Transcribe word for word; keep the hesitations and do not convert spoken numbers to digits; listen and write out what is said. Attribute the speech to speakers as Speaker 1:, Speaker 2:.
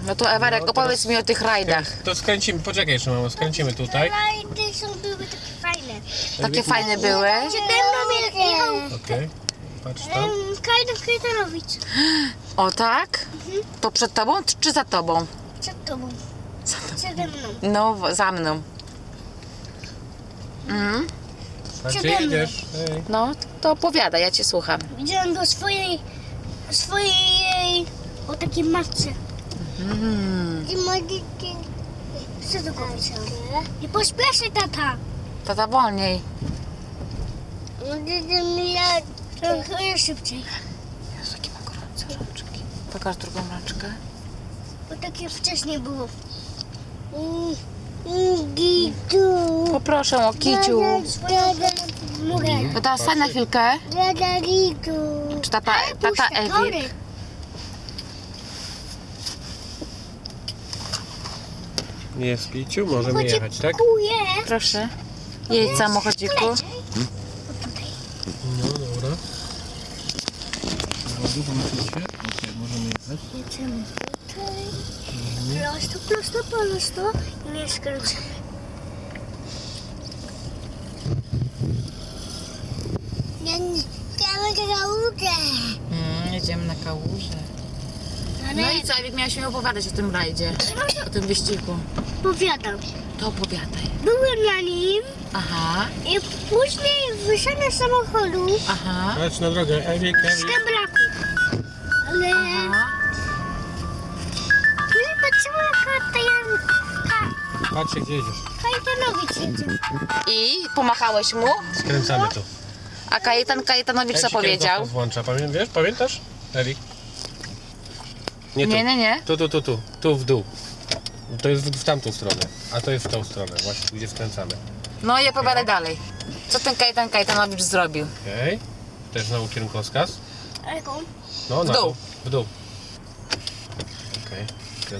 Speaker 1: No to Ewarek,
Speaker 2: No,
Speaker 1: opowiedz mi o tych rajdach.
Speaker 2: To skręcimy, poczekaj jeszcze mamo, skręcimy tutaj.
Speaker 3: Rajdy są były takie fajne.
Speaker 1: Takie fajne były.
Speaker 3: Przede mną jechał
Speaker 2: Okej, patrz tam.
Speaker 3: um, Kajdan Kajdanowicz.
Speaker 1: O tak? To przed tobą czy za tobą?
Speaker 3: Przed tobą. Przede mną.
Speaker 1: No, w- za mną. Mhm.
Speaker 2: A gdzie
Speaker 3: przede mną.
Speaker 2: jedziesz? Ej.
Speaker 1: No, to opowiadaj, ja cię słucham.
Speaker 3: Widziałem go swojej, swojej, o takiej matce.
Speaker 1: Mm.
Speaker 3: I możecie... Co to powiedział? Nie pośpieszy, tata.
Speaker 1: Tata wolniej.
Speaker 3: Możecie mnie trochę szybciej.
Speaker 1: Jezu, jakie ma gorące rączki. Pokaż drugą rączkę.
Speaker 3: Bo takie wcześniej było. Mm, mm, Gitu.
Speaker 1: Poproszę o kiciu.
Speaker 3: Mogę.
Speaker 1: To teraz stań na chwilkę.
Speaker 3: Dada Gitu.
Speaker 1: Czy tata, tata Ewik?
Speaker 2: Jest Piciu, możemy jechać, tak?
Speaker 3: Dziękuję.
Speaker 1: Proszę. Jedź samochodziku.
Speaker 2: No dobra. Długo musicie? Okej, możemy jechać.
Speaker 3: Jedziemy tutaj. Prosto, prosto, prosto. I nie skręcamy. Ja nie chciałam kałużę.
Speaker 1: Mm, jedziemy na kałużę. No i co, Ewik, miałaś mi opowiadać o tym rajdzie, o tym wyścigu.
Speaker 3: Powiadam.
Speaker 1: To opowiadaj.
Speaker 3: Byłem na nim
Speaker 1: Aha,
Speaker 3: i później wyszedłem z samochodu
Speaker 1: aha,
Speaker 2: Patrz na drogę, Ewik,
Speaker 3: z
Speaker 2: Ewik.
Speaker 3: tembraku. Ale
Speaker 1: aha.
Speaker 3: później patrzyłem na Kajan...
Speaker 2: Patrzcie, gdzie jedziesz.
Speaker 3: Kajetanowicz jedzie.
Speaker 1: I pomachałeś mu?
Speaker 2: Skręcamy tu.
Speaker 1: A Kajetan Kajetanowicz co
Speaker 2: Ej, się
Speaker 1: powiedział?
Speaker 2: kierunkowskaz włącza, Pamię, wiesz, pamiętasz? Erik? Nie tu.
Speaker 1: Nie, nie, nie.
Speaker 2: Tu, tu, tu, tu, tu w dół. To jest w, w tamtą stronę, a to jest w tą stronę, właśnie gdzie skręcamy.
Speaker 1: No i opowiadaj dalej. Co ten Kajetan Kajetanowicz zrobił?
Speaker 2: Okej. Też znowu kierunkowskaz.
Speaker 3: Ale jaką?
Speaker 2: No,
Speaker 1: W
Speaker 2: na
Speaker 1: dół.
Speaker 2: W dół. Okej.